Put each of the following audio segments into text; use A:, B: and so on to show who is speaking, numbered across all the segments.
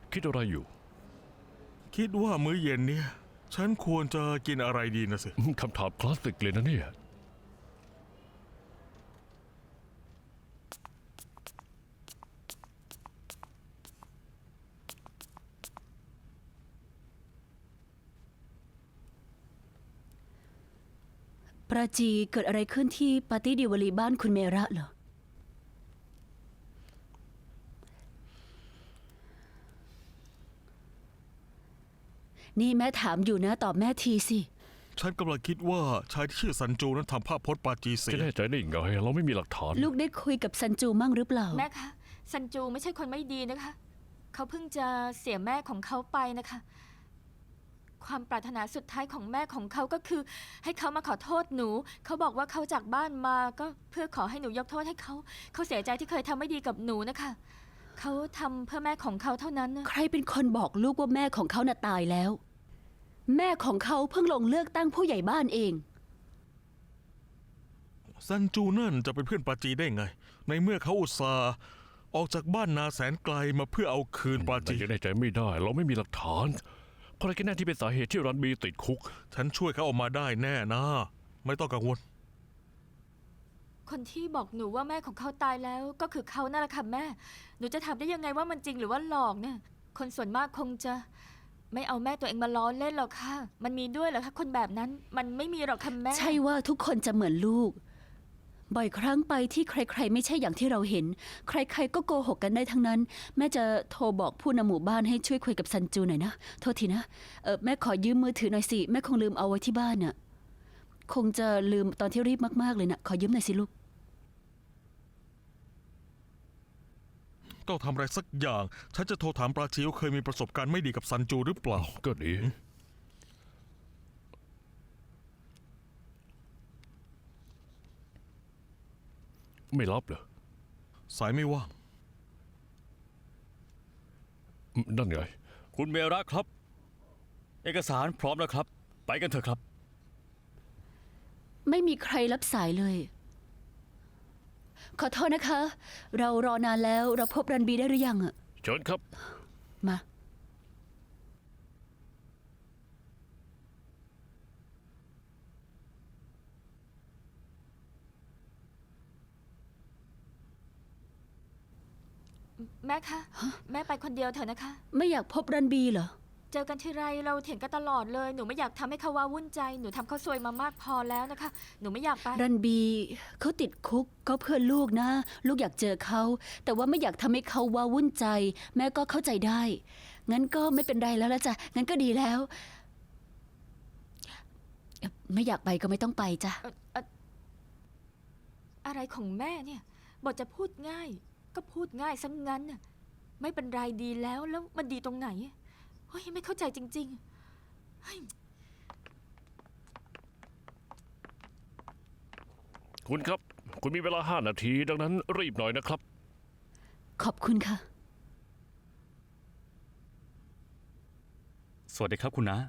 A: คิดอะไรอยู่
B: คิดว่ามื้อเย็นเนี่ยฉันควรจะกินอะไรดีนะสิ
A: คำถามคลาสสิกเลยนะเนี่ย
C: ปราจีเกิดอะไรขึ้นที่ปาร์ตี้ดิวาลีบ้านคุณเมระเหรอนี่แม่ถามอยู่นะตอบแม่ทีสิ
B: ฉันกำลังคิดว่าชายที่ชื่อซันจูนั้นทำภาพพจน์ปาจีเสี
A: จะ
B: ย
A: แน่ใจได้ยังไงเราไม่มีหลักฐาน
C: ลูกได้คุยกับซันจูมั่งหรือเปล่า
D: แม่คะซันจูไม่ใช่คนไม่ดีนะคะ เขาเพิ่งจะเสียแม่ของเขาไปนะคะ ความปรารถนาสุดท้ายของแม่ของเขาก็คือ ให้เขามาขอโทษหนู เขาบอกว่าเขาจากบ้านมาก็เพื่อขอให้หนูยกโทษให้เขา เขาเสียใจที่เคยทำไม่ดีกับหนูนะคะ เขาทำเพื่อแม่ของเขาเท่านั้นนะ
C: ใครเป็นคนบอกลูกว่าแม่ของเขาน่ะตายแล้ว แม่ของเขาเพิ่งลงเลือกตั้งผู้ใหญ่บ้านเอง
B: ซันจูนั่นจะเป็นเพื่อนปาจีได้ไง ในเมื่อเขาอุตส่าห์ออกจากบ้านนาแสนไกลมาเพื่อเอาคืนปา
A: แต่
B: จี
A: ยังแน่ใจไม่ได้ เราไม่มีหลักฐานเพราะอะไรกันแน่ที่เป็นสาเหตุที่รันบีติดคุก
B: ฉันช่วยเขาออกมาได้แน่นะ ไม่ต้องกังวล
D: คนที่บอกหนูว่าแม่ของเขาตายแล้วก็คือเขานั่นแหละค่ะแม่ หนูจะถามได้ยังไงว่ามันจริงหรือว่าหลอกเนี่ย คนส่วนมากคงจะไม่เอาแม่ตัวเองมาล้อเล่นหรอกค่ะ มันมีด้วยเหรอคะคนแบบนั้น มันไม่มีหรอกค่ะแม่
C: ใช่ว่าทุกคนจะเหมือนลูก บ่อยครั้งไปที่ใครๆไม่ใช่อย่างที่เราเห็น ใครๆก็โกหกกันได้ทั้งนั้น แม่จะโทรบอกผู้นำหมู่บ้านให้ช่วยคุยกับซันจูหน่อยนะ โทษทีนะแม่ขอยืมมือถือหน่อยสิ แม่คงลืมเอาไว้ที่บ้านน่ะ คงจะลืมตอนที่รีบมากๆเลยนะขอยืมหน่อยสิลูก
B: ต้องทำอะไรสักอย่าง ฉันจะโทรถามปาจีว่าเคยมีประสบการณ์ไม่ดีกับซันจูหรือเปล่า
A: ก็ดี ไม่รับเหรอ
B: สายไม่ว่าง
A: นั่นไง
E: คุณเมระครับ เอกสารพร้อมแล้วครับ ไปกันเถอะครับ
C: ไม่มีใครรับสายเลย ขอโทษนะคะ เรารอนานแล้วเราพบรันบีได้หรือยังอะ
A: เชิญครับ
C: มา
D: แม่คะ แม่ไปคนเดียวเถอะนะคะ
C: ไม่อยากพบรันบีเหรอ
D: เจอกันทีไรเราเถียงกันตลอดเลย หนูไม่อยากทำให้เขาว้าวุ่นใจ หนูทำเขาซวยมามากพอแล้วนะคะ หนูไม่อยากไป
C: รันบีเขาติดคุกก็เพื่อลูกนะ ลูกอยากเจอเขา แต่ว่าไม่อยากทำให้เขาว้าวุ่นใจ แม่ก็เข้าใจได้ งั้นก็ไม่เป็นไรแล้วละจ้ะงั้นก็ดีแล้ว ไม่อยากไปก็ไม่ต้องไปจ้ะ
D: อะไรของแม่เนี่ยบอกจะพูดง่าย ก็พูดง่ายซะงั้นน่ะไม่เป็นไรดีแล้วแล้วมันดีตรงไหนเฮ้ยไม่เข้าใจจริงๆเฮ้ย
A: คุณครับ คุณมีเวลา5 นาที ดังนั้นรีบหน่อยนะครับ
C: ขอบคุณค่ะ
E: สวัสดีครับคุณน้า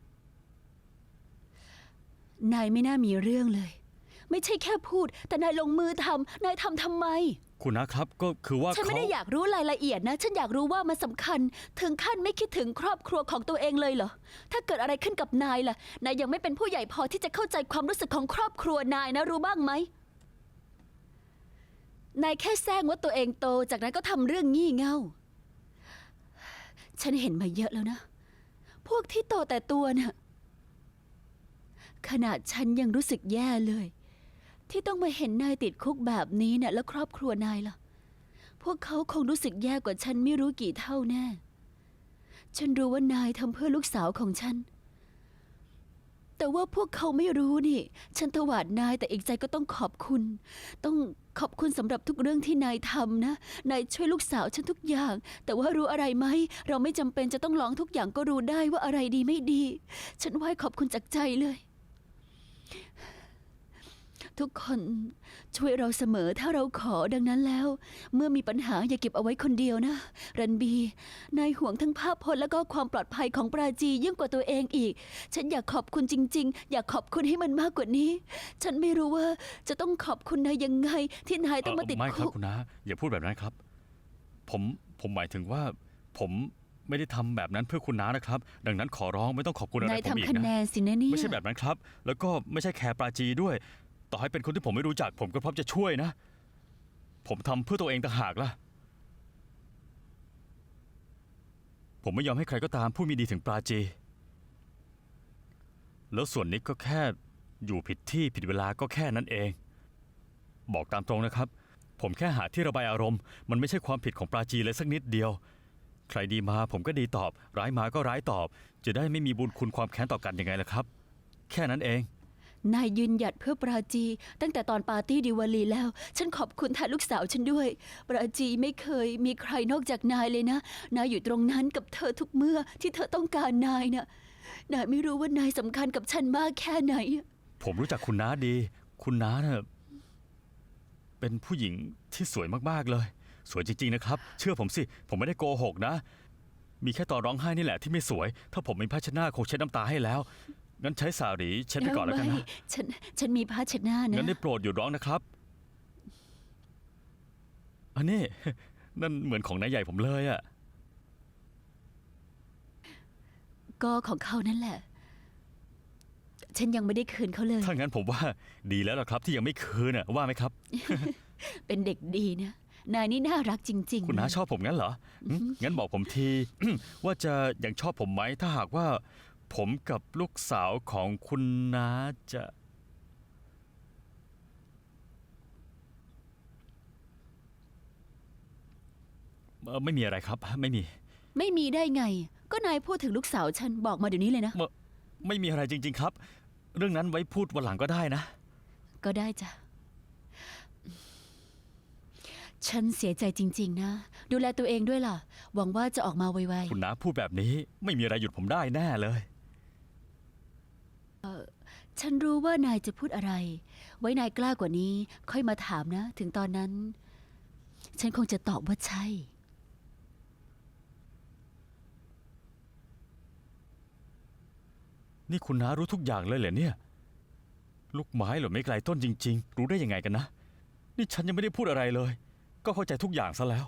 C: นายไม่น่ามีเรื่องเลย ไม่ใช่แค่พูด แต่นายลงมือทำนายทำไม
E: คุณน้าครับก็คือว่า
C: ฉันไม่
E: เขา
C: ได้อยากรู้รายละเอียดนะ ฉันอยากรู้ว่ามันสำคัญ ถึงขั้นไม่คิดถึงครอบครัวของตัวเองเลยเหรอ ถ้าเกิดอะไรขึ้นกับนายล่ะ นายยังไม่เป็นผู้ใหญ่พอที่จะเข้าใจความรู้สึกของครอบครัวนายนะรู้บ้างไหม นายแค่แซงว่าตัวเองโต จากนั้นก็ทำเรื่องงี่เง่า ฉันเห็นมาเยอะแล้วนะ พวกที่โตแต่ตัวน่ะ ขนาดฉันยังรู้สึกแย่เลย ที่ต้องมาเห็นนายติดคุกแบบนี้เนี่ยแล้วครอบครัวนายล่ะ พวกเขาคงรู้สึกแย่กว่าฉันไม่รู้กี่เท่าแน่ ฉันรู้ว่านายทำเพื่อลูกสาวของฉัน แต่ว่าพวกเขาไม่รู้นี่ ฉันถวาดนายแต่อีกใจก็ต้องขอบคุณ ต้องขอบคุณสำหรับทุกเรื่องที่นายทำนะ นายช่วยลูกสาวฉันทุกอย่าง แต่ว่ารู้อะไรไหม เราไม่จำเป็นจะต้องลองทุกอย่างก็รู้ได้ว่าอะไรดีไม่ดี ฉันไหว้ขอบคุณจากใจเลย ทุกคนช่วยเราเสมอถ้าเราขอดังนั้นแล้ว เมื่อมีปัญหาอย่าเก็บเอาไว้คนเดียวนะ รันบี นายห่วงทั้งภาพพจน์และก็ความปลอดภัยของปราจียิ่งกว่าตัวเองอีก ฉันอยากขอบคุณจริงๆ อยากขอบคุณให้มันมากกว่านี้ ฉันไม่รู้ว่าจะต้องขอบคุณนายยังไง ที่นายต้องมาติด
E: ไม่ครับ
C: คุก
E: คุณน้าอย่าพูดแบบนั้นครับ ผมหมายถึงว่า ผมไม่ได้ทำแบบนั้นเพื่อคุณน้านะครับ ดังนั้นขอร้องไม่ต้องขอบคุณอะไร
C: นาย
E: ผมอีก
C: ทำคะแน
E: นะ
C: นสินะเนี่ย
E: ไม่ใช่แบบนั้นครับ แล้วก็ไม่ใช่แคร์ปราจีด้วย ต่อให้เป็นคนที่ผมไม่รู้จัก ผมก็พร้อมจะช่วยนะ ผมทำเพื่อตัวเองต่างหากล่ะ ผมไม่ยอมให้ใครก็ตามพูดไม่ดีถึงปราจี แล้วส่วนนิกก็แค่อยู่ผิดที่ผิดเวลาก็แค่นั้นเอง บอกตามตรงนะครับ ผมแค่หาที่ระบายอารมณ์ มันไม่ใช่ความผิดของปราจีเลยสักนิดเดียว ใครดีมาผมก็ดีตอบ ร้ายมาก็ร้ายตอบ จะได้ไม่มีบุญคุณความแค้นต่อกันยังไงล่ะครับ แค่นั้นเอง
C: นายยืนหยัดเพื่อปราจี ตั้งแต่ตอนปาร์ตี้ดิวาลีแล้ว ฉันขอบคุณแทนลูกสาวฉันด้วย ปราจีไม่เคยมีใครนอกจากนายเลยนะ นายอยู่ตรงนั้นกับเธอทุกเมื่อที่เธอต้องการนายน่ะ นายไม่รู้ว่านายสำคัญกับฉันมากแค่ไหน
E: ผมรู้จักคุณน้าดี คุณน้าน่ะเป็นผู้หญิงที่สวยมากๆเลย สวยจริงๆนะครับ เชื่อผมสิ ผมไม่ได้โกหกนะ มีแค่ตอนร้องไห้นี่แหละที่ไม่สวย ถ้าผมมีผ้าเช็ดหน้าคงเช็ดน้ำตาให้แล้ว งั้นใช้สาหรีเช็ดไปก่อนแล้วกัน
C: ไม่
E: นะ
C: ฉันมีผ้าเช็ดหน้านะ
E: งั้นได้โปรดหยุดร้องนะครับ อันนี้ นั่นเหมือนของนายใหญ่ผมเลยอะ
C: ก็ของเขานั่นแหละ ฉันยังไม่ได้คืนเขาเลย
E: ถ้างั้นผมว่าดีแล้วล่ะครับ ที่ยังไม่คืนน่ะว่าไหมครับ
C: เป็นเด็กดีนะ นายนี่น่ารักจริงๆ
E: คุณน้า
C: เลย
E: ชอบผมงั้นเหรองั้นบอกผมที ว่าจะยังชอบผมไหมถ้าหากว่า ผมกับลูกสาวของคุณน้าจะไม่มีอะไรครับ ไม่มี
C: ไม่มีได้ไง ก็นายพูดถึงลูกสาวฉันบอกมาเดี๋ยวนี้เลยนะ
E: ไม่มีอะไรจริง ๆครับ เรื่องนั้นไว้พูดวันหลังก็ได้นะ
C: ก็ได้จ้ะ ฉันเสียใจจริง ๆ นะ ดูแลตัวเองด้วยล่ะ หวังว่าจะออกมาไว
E: คุณน้าพูดแบบนี้ ไม่มีอะไรหยุดผมได้แน่เลย
C: ๆ ฉันรู้ว่านายจะพูดอะไร ไว้นายกล้ากว่านี้ ค่อยมาถามนะ ถึงตอนนั้น ฉันคงจะตอบว่าใช่
E: นี่คุณน้ารู้ทุกอย่างเลยเหรอเนี่ย ลูกไม้เหรอไม่ไกลต้นจริง ๆ รู้ได้ยังไงกันนะ นี่ฉันยังไม่ได้พูดอะไรเลย ก็เข้าใจทุกอย่างซะแล้ว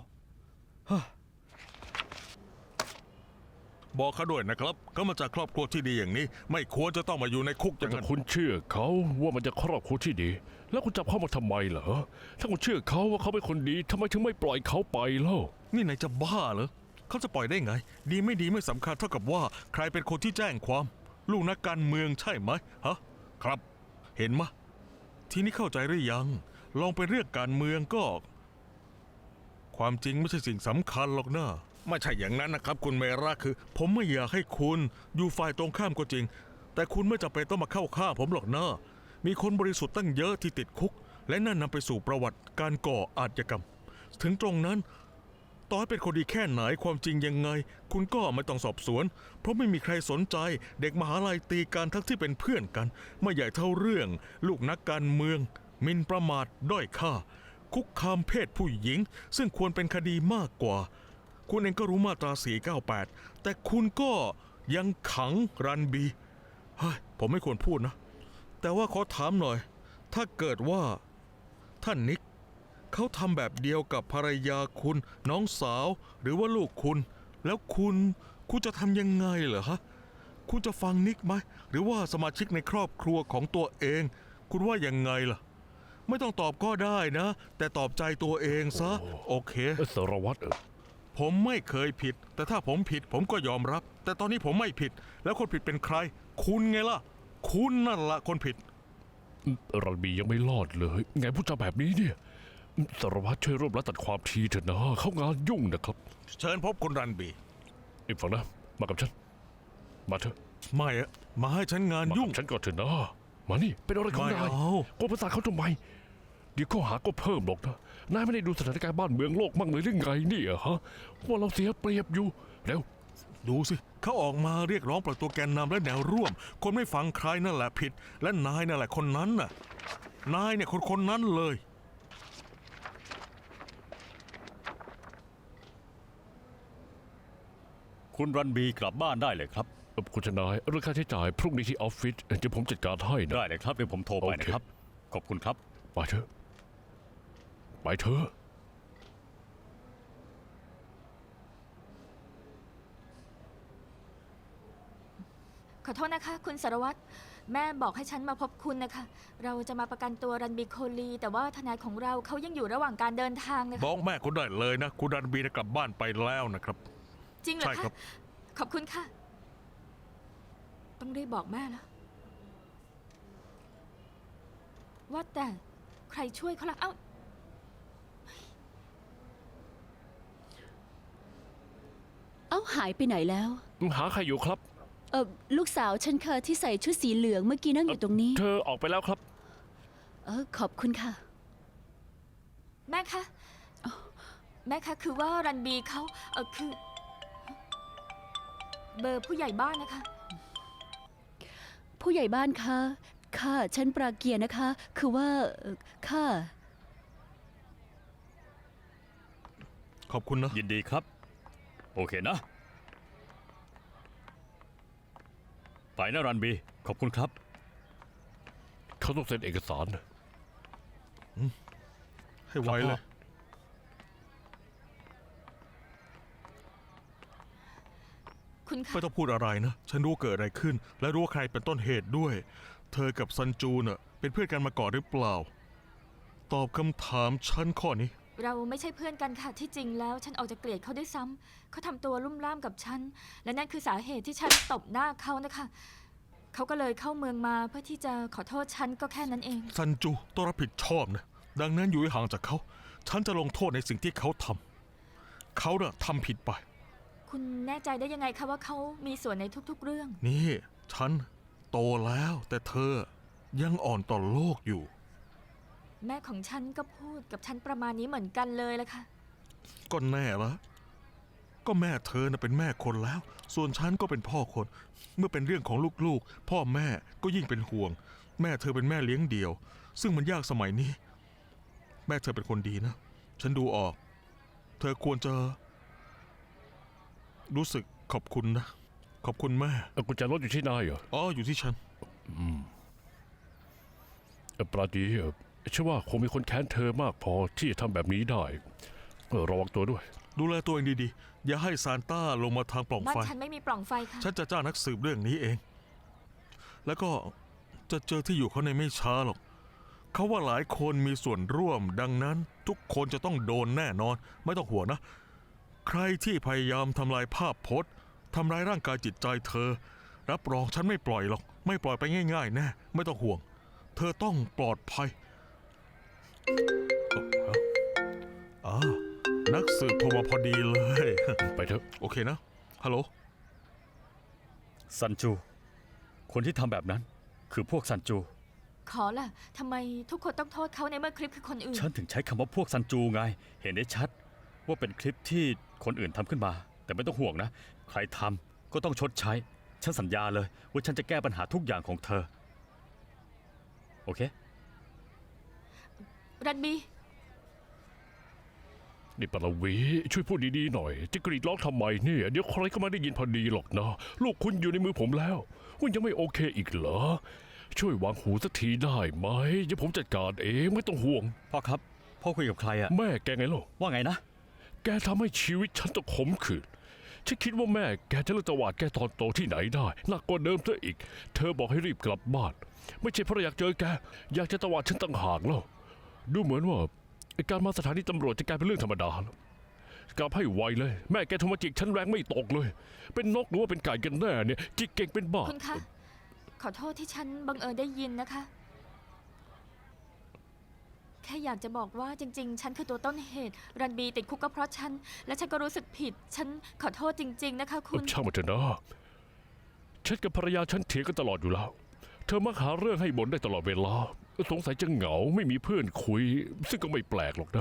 B: บอกเขาด้วยนะครับเขามาจากครอบครัวที่ดีอย่างนี้ ไม่ควรจะต้องมาอยู่ในคุกอ
A: แต่
B: ย่าง
A: ถ้า
B: นั้น
A: คุณเชื่อเขาว่ามันจะครอบครัวที่ดี แล้วคุณจับเขามาทำไมเหรอ ถ้าคุณเชื่อเขาว่าเขาเป็นคนดีทำไมถึงไม่ปล่อยเขาไปเล่า
B: นี่นายจะบ้าเหรอเขาจะปล่อยได้ไง ดีไม่ดีไม่สำคัญเท่ากับว่า ใครเป็นคนที่แจ้งความ ลูกนักการเมืองใช่ไหมฮะครับ เห็นมะ ทีนี้เข้าใจหรือยัง ลองเป็นเรื่องการเมืองก็ ความจริงไม่ใช่สิ่งสำคัญหรอกนะไม่ใช่อย่างนั้นนะครับ คุณเมราคือ ผมไม่อยากให้คุณอยู่ฝ่ายตรงข้ามก็จริง แต่คุณไม่จำเป็นต้องมาเข้าข้างผมหรอกนะมีคนบริสุทธิ์ตั้งเยอะที่ติดคุก และนั่นนำไปสู่ประวัติการก่ออาชญากรรม ถึงตรงนั้น ต่อให้เป็นคนดีแค่ไหนความจริงยังไง คุณก็ไม่ต้องสอบสวน เพราะไม่มีใครสนใจ เด็กมหาลัยตีกันทั้งที่เป็นเพื่อนกัน ไม่ใหญ่เท่าเรื่อง ลูกนักการเมืองหมินประมาทด้อยค่า คุกคามเพศผู้หญิง ซึ่งควรเป็นคดีมากกว่า คุณเองก็รู้มาตรา 498 แต่คุณก็ยังขังรันบีเฮ้ยผมไม่ควรพูดนะ แต่ว่าขอถามหน่อย ถ้าเกิดว่าท่านนิก เขาทำแบบเดียวกับภรรยาคุณ น้องสาว หรือว่าลูกคุณ แล้วคุณจะทำยังไงเหรอฮะ คุณจะฟังนิกไหม หรือว่าสมาชิกในครอบครัวของตัวเอง คุณว่ายังไงล่ะ ไม่ต้องตอบก็ได้นะ แต่ตอบใจตัวเองซะ โอเค
A: สารวัตร
B: ผมไม่เคยผิด แต่ถ้าผมผิดผมก็ยอมรับ แต่ตอนนี้ผมไม่ผิด แล้วคนผิดเป็นใคร คุณไงล่ะ คุณนั่นละคนผิด
A: รันบียังไม่รอดเลย ไงพูดจาแบบนี้เนี่ยสารวัตรช่วยร่วมรัดตัดความทีเถอะนะ เขางานยุ่งนะครับ
B: เชิญพบคุณรันบี
A: อีกฝั่งนะ มากับฉัน มาเถอะ
B: ไม่อะมาให้ฉันงาน
A: มา
B: ยุ่ง
A: กับฉันก่อนเถอะนะ มานี่ เป็นอะไรของ
B: ไม่
A: นาย
B: เอา
A: กวนประสาทเขาทำไม เดี๋ยวข้อหาก็เพิ่มหรอกนะ นายไม่ได้ดูสถานการณ์บ้านเมืองโลกมั่งเลยหรือไงเนี่ยฮะ ว่าเราเสียเปรียบอยู่ เร็ว
B: ดูสิ เขาออกมาเรียกร้องปล่อยตัวแกนนำและแนวร่วม คนไม่ฟังใครนั่นแหละผิด และนายนั่นแหละคนนั้นน่ะ นายเนี่ยคนนั้นเลย
E: คุณรันบีกลับบ้านได้เลยครับ
A: คุณทนายเรื่องค่าใช้จ่ายพรุ่งนี้ที่ออฟฟิศเดี๋ยวผมจัดการให้นะ
E: ได้เลยครับเดี๋ยวผมโทรไป
A: โอเค
E: นะครับ ขอบคุณครับ
A: ไปเถอะ ไปเถอะ
D: ขอโทษนะคะ คุณสารวัตรแม่บอกให้ฉันมาพบคุณนะคะ เราจะมาประกันตัวรันบีโคลี แต่ว่าทนายของเราเขายังอยู่ระหว่างการเดินทางนะ
B: บ
D: คะ
B: อกแม่คุณได้เลยนะ คุณรันบีกลับบ้านไปแล้วนะครับ
D: จริงเหรอ
B: ใช่ครั
D: คะ
B: บ
D: ขอบคุณค่ะ ต้องรีบบอกแม่แล้วว่าแต่ใครช่วยเขาล่ะเอ้า
C: เอ้าหายไปไหนแล้ว
A: หาใครอยู่ครับ
C: ลูกสาวฉันค่ะที่ใส่ชุดสีเหลืองเมื่อกี้นั่งอยู่ตรงนี้
A: เธอออกไปแล้วครับ
C: ขอบคุณค่ะ
D: แม่คะแม่คะคือว่ารันบีเขาคือ เบอร์ผู้ใหญ่บ้านนะคะ
C: ผู้ใหญ่บ้านคะค่ะฉันปราเกียร์นะคะ คือว่าค่ะ
B: ขอบคุณนะ
E: ยินดีครับ โอเคนะ ไปนะรันบี ขอบคุณครับ
A: เขาต้องเซ็นเอกสาร
B: ให้ไวเลย
D: คุณคะ
B: ไม่ต้องพูดอะไรนะ ฉันรู้เกิดอะไรขึ้น และรู้ว่าใครเป็นต้นเหตุด้วย เธอกับซันจูน่ะเป็นเพื่อนกันมาก่อนหรือเปล่า ตอบคำถามฉันข้อนี้
D: เราไม่ใช่เพื่อนกันค่ะที่จริงแล้ว ฉันออกจะเกลียดเขาด้วยซ้ำเขาทำตัวลุ่มล่ามกับฉัน และนั่นคือสาเหตุที่ฉันตบหน้าเขานะคะ เขาก็เลยเข้าเมืองมาเพื่อที่จะขอโทษฉันก็แค่นั้นเอง
B: ซันจูต้องรับผิดชอบนะ ดังนั้นอยู่ให้ห่างจากเขา ฉันจะลงโทษในสิ่งที่เขาทำ เขาน่ะทำผิดไป
D: คุณแน่ใจได้ยังไงคะว่าเขามีส่วนในทุกๆเรื่อง
B: นี่ ฉันโตแล้วแต่เธอยังอ่อนต่อโลกอยู่
D: แม่ของฉันก็พูดกับฉันประมาณนี้เหมือนกันเลยละค่ะ
B: ก็แน่ละก็แม่เธอน่ะเป็นแม่คนแล้ว ส่วนฉันก็เป็นพ่อคน เมื่อเป็นเรื่องของลูกๆ พ่อแม่ก็ยิ่งเป็นห่วง แม่เธอเป็นแม่เลี้ยงเดี่ยว ซึ่งมันยากสมัยนี้ แม่เธอเป็นคนดีนะ ฉันดูออก เธอควรจะ รู้สึกขอบคุณนะ ขอบคุณแม่
A: กุญแจรถอยู่ที่นายเหรอ
B: อ๋ออยู่ที่ฉัน
A: ปราดีเชื่อว่าคงมีคนแค้นเธอมากพอที่จะทำแบบนี้ได้ระวังตัวด้วย
B: ดูแลตัวเองดีๆ อย่าให้ซานต้าลงมาทางปล่อง
D: บ้าน
B: ไฟ
D: ฉันไม่มีปล่องไฟค่ะ
B: ฉันจะจ้างนักสืบเรื่องนี้เอง แล้วก็จะเจอที่อยู่เขาในไม่ช้าหรอก เขาว่าหลายคนมีส่วนร่วม ดังนั้นทุกคนจะต้องโดนแน่นอน ไม่ต้องห่วงนะ ใครที่พยายามทำลายภาพพจน์ทำร้ายร่างกายจิตใจเธอ รับรองฉันไม่ปล่อยหรอก ไม่ปล่อยไปง่ายๆแน่ ไม่ต้องห่วง เธอต้องปลอดภัยนักสืบโทรมาพอดีเลย
A: ไปเถอะ
B: โอเคนะ ฮัลโหล
E: ซันจู คนที่ทำแบบนั้น คือพวกซันจู
D: ขอล่ะทำไมทุกคนต้องโทษเขาในเมื่อคลิปคือคนอื่น
E: ฉันถึงใช้คำว่าพวกซันจูไง เห็นได้ชัด ว่าเป็นคลิปที่คนอื่นทำขึ้นมา แต่ไม่ต้องห่วงนะ ใครทำก็ต้องชดใช้ ฉันสัญญาเลย ว่าฉันจะแก้ปัญหาทุกอย่างของเธอ โอเค
D: รันบี
A: นี่ปรวีช่วยพูดดีๆหน่อย จะกรีดร้องทำไมเนี่ย เดี๋ยวใครก็ไม่ได้ยินพอดีหรอกนะ ลูกคุณอยู่ในมือผมแล้วคุณยังไม่โอเคอีกเหรอ ช่วยวางหูสักทีได้ไหมเดี๋ยวผมจัดการเองไม่ต้องห่วง
E: พ่อครับ พ่อคุยกับใครอะ
A: แม่แกไงล่ะ
E: ว่าไงนะ
A: แกทำให้ชีวิตฉันต้องขมขื่นฉันคิดว่าแม่แกจะเลิกตวาดแกตอนโตที่ไหนได้หนักกว่าเดิมซะอีก เธอบอกให้รีบกลับบ้าน ไม่ใช่เพราะอยากเจอแก อยากจะตวาดฉันต่างหากแล้ว ดูเหมือนว่าไอ้การมาสถานีตำรวจจะกลายเป็นเรื่องธรรมดาแล้วกลับให้ไวเลย แม่แกโทรมาจิกฉันแรงไม่ตกเลย เป็นนกหรือว่าเป็นไก่กันแน่เนี่ยจิกเก่งเป็นบ้า
D: คุณคะ ขอโทษที่ฉันบังเอิญได้ยินนะคะ แค่อยากจะบอกว่าจริง ๆ ฉันคือตัวต้นเหตุ รันบีติดคุกก็เพราะฉัน และฉันก็รู้สึกผิด ฉันขอโทษจริง ๆ นะคะคุณ
A: ช่างมันเถอะนะฉันกับภรรยาฉันเถียงกันตลอดอยู่แล้ว เธอมักหาเรื่องให้บ่นได้ตลอดเวลา สงสัยจะเหงาไม่มีเพื่อนคุย ซึ่งก็ไม่แปลกหรอกนะ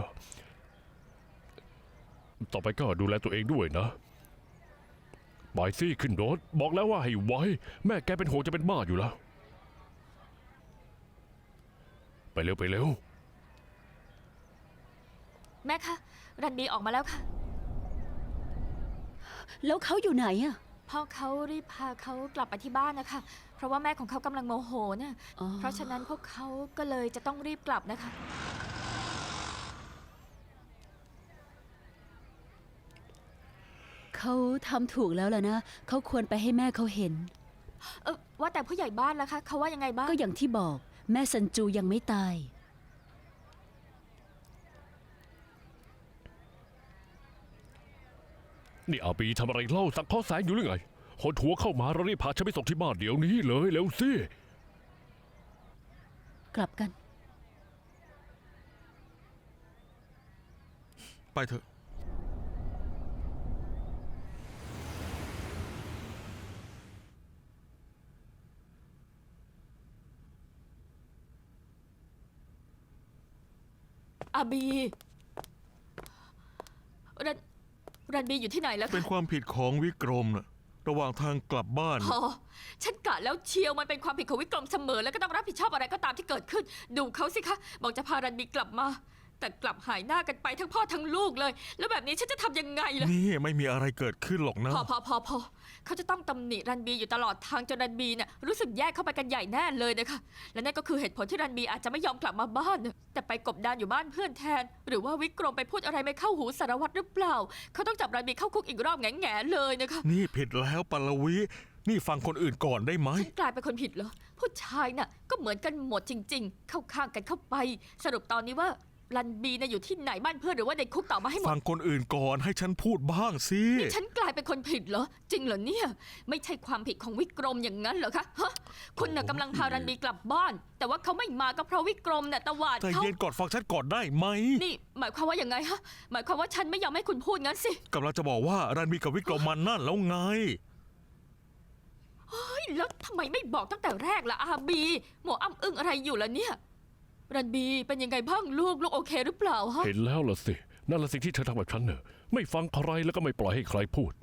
A: ต่อไปก็ดูแลตัวเองด้วยนะบายซี่ขึ้นรถบอกแล้วว่าให้ไว้ แม่แกเป็นห่วงจะเป็นบ้าอยู่แล้ว ไปเร็วไปเร็ว
D: แม่คะ รันบีออกมาแล้วค่ะ
C: แล้วเขาอยู่ไหนอะ
D: พ่อเขารีบพาเขากลับไปที่บ้านนะคะ เพราะว่าแม่ของเขากำลังโมโหนะ
C: อ๋อ
D: เพราะฉะนั้นพวกเขาก็เลยจะต้องรีบกลับนะคะ
C: เขาทำถูกแล้วล่ะนะ เขาควรไปให้แม่เขาเห็น
D: ว่าแต่ผู้ใหญ่บ้านล่ะคะเขาว่ายังไงบ้าง
C: ก็อย่างที่บอก แม่ซันจูยังไม่ตาย
A: นี่อาบีทำอะไรเล่าสังเคราะห์แสงอยู่หรือไงหดหัวเข้ามาเรารีบพาฉันไปส่งที่บ้านเดี๋ยวนี้เลยเร็วสิ
C: กลับกัน
B: ไปเถอะ
D: อาบีรันบีอยู่ที่ไหนแล้ว
B: เป็น
D: คะ
B: ความผิดของวิกรมนะระหว่างทางกลับบ้าน
D: พอฉันกะแล้วเชียวมันเป็นความผิดของวิกรมเสมอแล้วก็ต้องรับผิดชอบอะไรก็ตามที่เกิดขึ้น ดูเขาสิคะบอกจะพารันบีกลับมา แต่กลับหายหน้ากันไปทั้งพ่อทั้งลูกเลย แล้วแบบนี้ฉันจะทำยังไงล่ะ
B: นี่ไม่มีอะไรเกิดขึ้นหรอกนะ
D: พอเขาจะต้องตำหนิรันบีอยู่ตลอดทางจนรันบีเนี่ยรู้สึกแยกเข้าไปกันใหญ่แน่เลยนะคะและนั่นก็คือเหตุผลที่รันบีอาจจะไม่ยอมกลับมาบ้านน่ะแต่ไปกบดานอยู่บ้านเพื่อนแทน หรือว่าวิกรมไปพูดอะไรไม่เข้าหูสารวัตรหรือเปล่าเขาต้องจับรันบีเข้าคุกอีกรอบแง่ๆเลยนะคะ
B: นี่ผิดแล้วปลวิ นี่ฟังคนอื่นก่อนได้ไหม
D: ฉันกลายเป็นคนผิดเหรอผู้ชายน่ะก็เหมือนกันหมดจริง ๆ เข้าข้างกันเข้าไป สรุปตอนนี้ว่ารันบีเนี่ยอยู่ที่ไหนบ้านเพื่อนหรือว่าในคุกต่อมาให้หมด
B: ฟังคนอื่นก่อนให้ฉันพูดบ้างสิ
D: นี่ฉันกลายเป็นคนผิดเหรอ จริงเหรอเนี่ย ไม่ใช่ความผิดของวิกรมอย่างนั้นเหรอคะฮะคุณน่ะกำลังพารันบีกลับบ้าน แต่ว่าเขาไม่มาก็เพราะวิกรมน่ะตวาด
B: ใจ
D: เขา
B: เย็นก่อนฟังฉันก่อนได้ไหม
D: นี่หมายความว่าอย่างไงฮะหมายความว่าฉันไม่ยอมให้คุณพูดงั้นสิ
B: กำลังจะบอกว่ารันมีกับวิกรมมันนั่นแล้วไง
D: เฮ้ยแล้วทำไมไม่บอกตั้งแต่แรกล่ะอาบีหมออ้ำอึ้งอะไรอยู่ล่ะเนี่ยรันบีเป็นยังไงบ้างลูกโอเคหรือเปล่าฮะ
A: เห็นแล้วล่ะสินั่นละสิ่งที่เธอทำแบบฉันเนอะไม่ฟังใครแล้วก็ไม่ปล่อยให้ใครพูด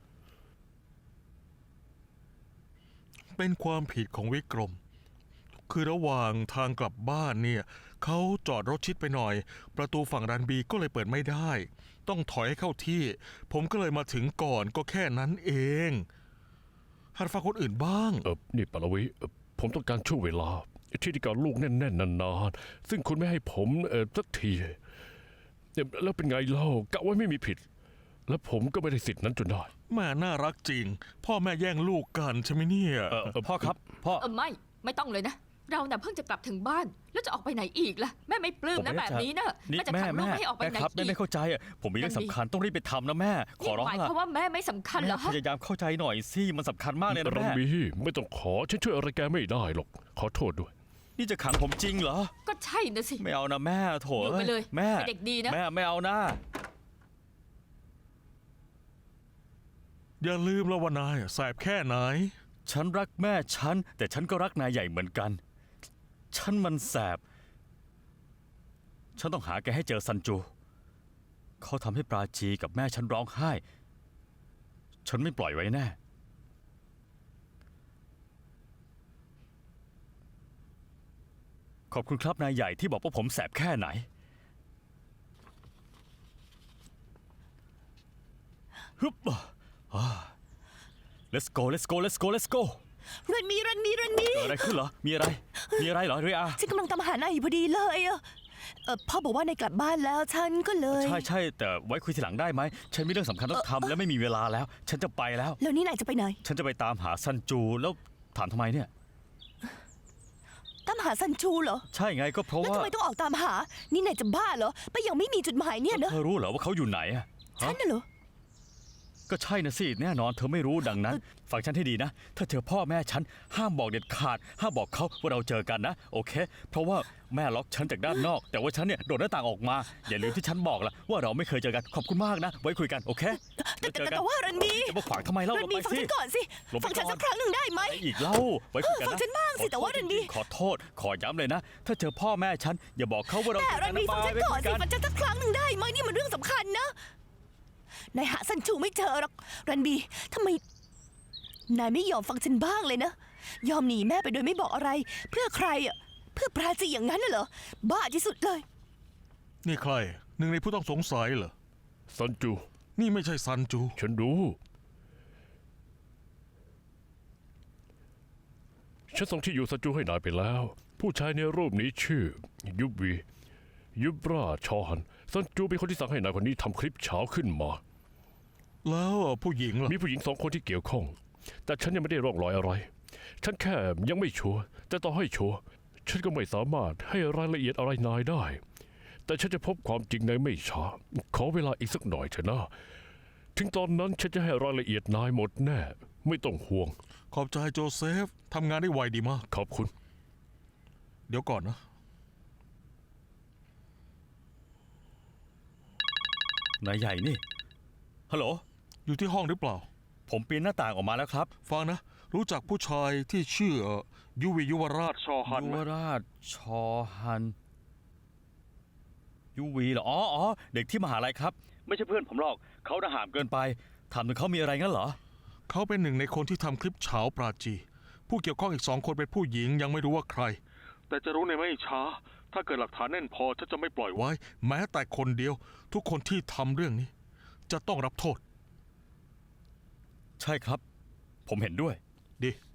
B: เป็นความผิดของวิกรม คือระหว่างทางกลับบ้านเนี่ยเขาจอดรถชิดไปหน่อย ประตูฝั่งรันบีก็เลยเปิดไม่ได้ ต้องถอยให้เข้าที่ ผมก็เลยมาถึงก่อนก็แค่นั้นเองหัดฟังคนอื่นบ้าง
A: นี่ปรวิผมต้องการช่วงเวลาที่การลูกแน่นๆนานๆซึ่งคุณไม่ให้ผมสักทีแล้วเป็นไงเล่ากะว่าไม่มีผิด แล้วผมก็ไม่ได้สิทธินั้นจนได้
B: แม่น่ารักจริง พ่อแม่แย่งลูกกันใช่ไหมเนี่ย
E: พ่อครับพ่อ
D: ไม่ต้องเลยนะ เราน่ะเพิ่งจะกลับถึงบ้าน แล้วจะออกไปไหนอีกล่ะแม่ไม่ปลื้ม
E: ผม
D: นะ
E: ไม่
D: แบบ
E: ได้
D: นี้นะ
E: นี่
D: แม่จะ
E: แม่
D: ขังลูก
E: แม่
D: ไม่ให้ออกไป
E: แม่
D: ไหน
E: ครับแม่
D: อี
E: ไม่
D: ก
E: เข้าใจอ่ะผมมีเรื่องสำคัญต้องรีบไปทำนะแม่ขอร้อง
D: หมาย
E: ละ
D: ความว่าแม่ไม่สำคัญเหรอ
E: พ
D: ฮะ
E: ยายามเข้าใจหน่อยสิมันสำคัญมากเลยนะ
A: รั
E: แม่
A: นบีไม่ต้องขอฉันช่วยอะไรแกไม่ได้หรอกขอโทษด้วย
E: นี่จะขังผมจริงเหรอ
D: ก็ใช่นะสิ
E: ไม่เอานะแม่โถ
D: อยู่ไปเลย
E: แม่
D: เป็นเด็กดีนะ
E: แม่ไม่เอานะ
B: อย่าลืมแล้วว่านายแสบแค่ไหน
E: ฉันรักแม่ฉันแต่ฉันก็รักนายใหญ่เหมือนกัน ฉันมันแสบ ฉันต้องหาแกให้เจอซันจู เขาทำให้ปราจีกับแม่ฉันร้องไห้ ฉันไม่ปล่อยไว้แน่ ขอบคุณครับนายใหญ่ที่บอกว่าผมแสบแค่ไหน ฮึบlet's go let's go let's go let's go
F: รันมี
E: เกิดอะไรขึ้นเหรอ มีอะไรเหรอเรีย
F: ฉันกำลังตามหานายอยู่พอดีเลยอะพ่อบอกว่านายกลับบ้านแล้วฉันก็เลย
E: ใช่แต่ไว้คุยทีหลังได้ไหม ฉันมีเรื่องสำคัญต้องทำและไม่มีเวลาแล้ว ฉันจะไปแล้ว
F: แล้วนี่นายจะไปไหน
E: ฉันจะไปตามหาซันจูแล้วถามทำไมเนี่ย
F: ตามหาซันชูเหรอ
E: ใช่ไงก็เพราะ
F: แล้ว
E: ว่า
F: ทำไมต้องออกตามหา นี่นายจะบ้าเหรอไปยังไม่มีจุดหมายเนี่ยนะ
E: เธอรู้เหรอว่าเขาอยู่ไหนอะ
F: ฉั
E: ฮะ
F: นน่ะเหรอ
E: ก็ใช่นะสิแน่นอนเธอไม่รู้ดังนั้น ฟังฉันให้ดีนะ ถ้าเจอพ่อแม่ฉันห้ามบอกเด็ดขาด ห้ามบอกเขาว่าเราเจอกันนะ โอเค เพราะว่าแม่ล็อกฉันจากด้านนอก แต่ว่าฉันเนี่ยโดดหน้าต่างออกมา อย่าลืมที่ฉันบอกละว่าเราไม่เคยเจอกันขอบคุณมากนะ ไว้คุยกันโอเคแล้วเจอกัน
F: แต่ว่ารันมี
E: จะมาขวางทำไมเล่า
F: รั
E: เรา
F: นมี
E: ไป
F: ฟัง
E: สิ
F: ฉันก่อนสิ
E: ลงไป
F: ฟังฉัน
E: ก่อน
F: สักครั้งหนึ่งได้ไหม
E: ไปอีกเล่าไว้คุยกันนะ
F: ฟังฉันบ้างสิแต่ว่ารันมี
E: ขอโทษขอย้ำเลยนะ ถ้าเจอพ่อแม่ฉันอย่าบอกเขาว่าเรา
F: แต่
E: เจอ
F: รั
E: กัน
F: นมี
E: นะ
F: ฟังฉัน
E: ไป
F: ก่อน
E: คุ
F: สิ
E: ยกัน
F: ฟังฉันสักครั้งหนึ่งได้ไหมนี่มันเรื่องสำคัญนะนายหาซันชูไม่เจอหรอกรันบีทำไมนายไม่ยอมฟังฉันบ้างเลยนะยอมหนีแม่ไปโดยไม่บอกอะไร เพื่อใครอ่ะเพื่อปราจีอย่างนั้นน่ะเหรอบ้าที่สุดเลย
B: นี่ใคร หนึ่งในผู้ต้องสงสัยเหรอ
A: ซันจู
B: นี่ไม่ใช่ซันจู
A: ฉันรู้ฉันส่งที่อยู่ซันจูให้นายไปแล้ว ผู้ชายในรูปนี้ชื่อ ยุบราชอฮันซันจูเป็นคนที่สั่งให้นายคนนี้ทำคลิปเช้าขึ้นมา
B: แล้วผู้หญิงล่ะ
A: มีผู้หญิง2 คนที่เกี่ยวข้อง แต่ฉันยังไม่ได้ร่องรอยอะไรฉันแค่ยังไม่ชัวร์แต่ต่อให้ชัวร์ฉันก็ไม่สามารถให้รายละเอียดอะไรนายได้ แต่ฉันจะพบความจริงในไม่ช้าขอเวลาอีกสักหน่อยเถอะนะถึงตอนนั้นฉันจะให้รายละเอียดนายหมดแน่ไม่ต้องห่วง
B: ขอบใจโจเซฟทำงานได้ไวดีมาก
A: ขอบคุณ
B: เดี๋ยวก่อนนะ
E: นายใหญ่นี่ฮัลโหล
B: อยู่ที่ห้องหรือเปล่า
E: ผมปีนหน้าต่างออกมาแล้วครับ
B: ฟังนะ รู้จักผู้ชายที่ชื่อยุวียุวราชชอฮัน
E: ยุ
B: ไหม
E: วราชชอฮันยูวีเหรออ๋อเด็กที่มหาลัยครับ ไม่ใช่เพื่อนผมหรอกเขาน่าหามเกินไปถามถึงเขามีอะไรงั้นเหรอ
B: เขาเป็นหนึ่งในคนที่ทำคลิปเฉาปราจี ผู้เกี่ยวข้องอีก2 คนเป็นผู้หญิงยังไม่รู้ว่าใคร แต่จะรู้ในไม่ช้า ถ้าเกิดหลักฐานแน่นพอฉันจะไม่ปล่อยไว้ แม้แต่คนเดียว ทุกคนที่ทำเรื่องนี้ จะต้องรับโทษ
E: ใช่ครับ ผมเห็นด้วย
B: ดี